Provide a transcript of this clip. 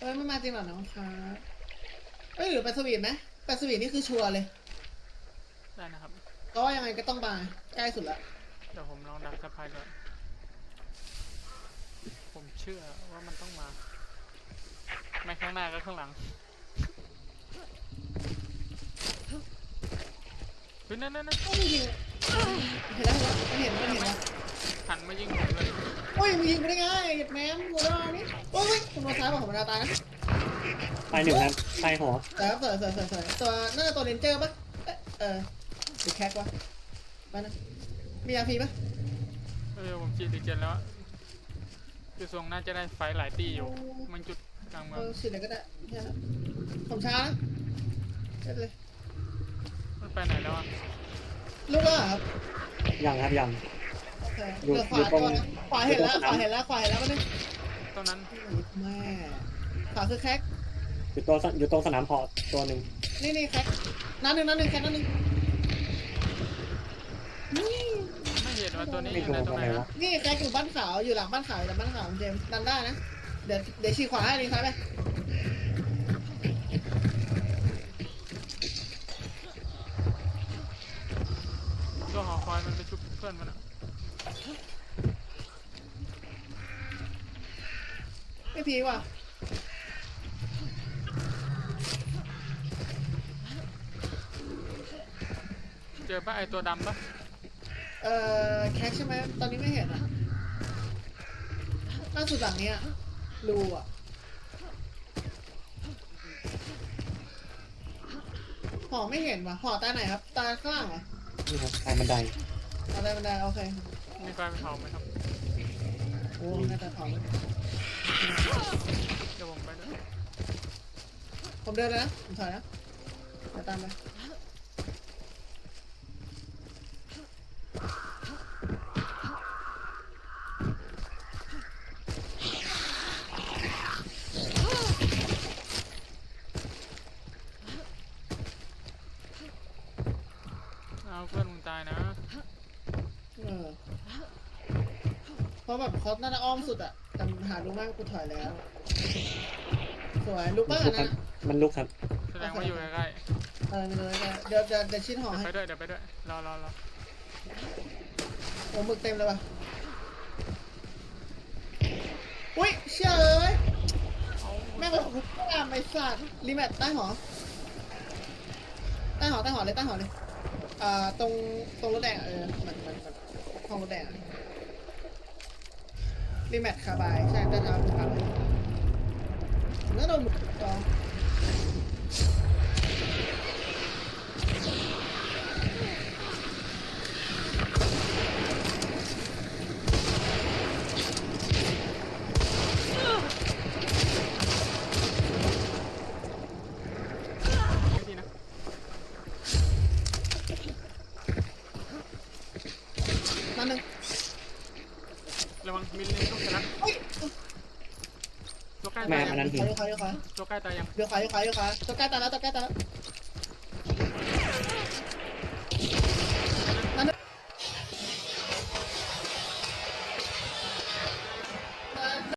ไม่มาจริงหรอน้องคะหรือไปสวีทไหมไปสวีทนี่คือชัวร์เลยได้นะครับเพราะว่ายังไงก็ต้องมาใกล้สุดละเดี๋ยวผมลองดักสะพายก่อนผมเชื่อว่ามันต้องมาไม่ข้างหน้าก็ข้างหลังเฮ้ยนั่นต้องยิงเห็นแล้วมันเห็นแล้วหันมายิงผมเลยโอ้ยมึงยิงไม่ได้ง่ายแม่กูแล้วนี่โอ้ยผมมาซ้ายบอกผมมาตายนะตายหนึ่งครับตายหัวแต่ครับสวยตัวน่าจะตัวเรนเจอร์ปะหรือแคกวะมานะมียาฟรีปะผมจีดีเจนแล้วคือทรงน่าจะได้ไฟหลายตีอยู่มันจุดกลางเมืองฉีดอะไรก็ได้ผมช้านะได้เลยมันไปไหนแล้วอ่ะลูกแล้วครับยังครับยังเหลือขวาตัวขวาเห็นแล้วก็นึงตรงนั้นแม่ขวาคือแคกอยู่ตรงสนามเพาะตัวหนึ่งนี่แคกนัดหนึ่งแคกนัดหนึ่งไม่เห็นว่าตัวนี้อยู่ในตรงไหนวะนี่แคกอยู่บ้านขาวอยู่หลังบ้านขาวแต่บ้านขาวเจมดันได้นะเดี๋ยวชี้ขวาให้ดีซ้ายไปตัวหอคอยมันไปชุบเพื่อนมันอ่ะไม่พีว่ะเจอป่ะไอตัวดำป่ะแคกใช่ไหมตอนนี้ไม่เห็นอ่ะล่าสุดหลังเนี้ยรูอ่ะหอไม่เห็นว่ะหอตาไหนครับตาข้างล่างเหรอนี่ครับตายบันไดบันไดโอเคมีไฟเผาไหมครับโอ้น่าจะเผาเดี๋ยวผมไปด้วยผมเดินเลยนะผมถอยนะเดี๋ยวตามไปเอาเพื่อนมึงตายนะเพราะแบบเขาน่าจะอ้อมสุดอะแต่หาลูกมากกูถอยแล้วสวยลูกบ้านนะมันลุกครับแสดงว่าอยู่ใกล้ไม่เลยเดี๋ยวชิ้นห่อให้ไปด้วยเดี๋ยวไปด้วยรอโอ้หมึกเต็มเลยว่ะอุ้ยเชื่อเลยแม่งเลยหุบตามไอ้สัตว์รีแมทใต้หอเลยตรงรถแดงมันห้องรถแดงรีแมทคาบายใช่แต่ทำคาบายแล้วโดนหมึกต่อนั่นนึงระวังมิลลิต้องชนะตัวใกล้แม่ตายยังอันนั้นหินตัวใกล้ตายยังตัวใกล้ตายยังตัวใกล้ตายแล้ว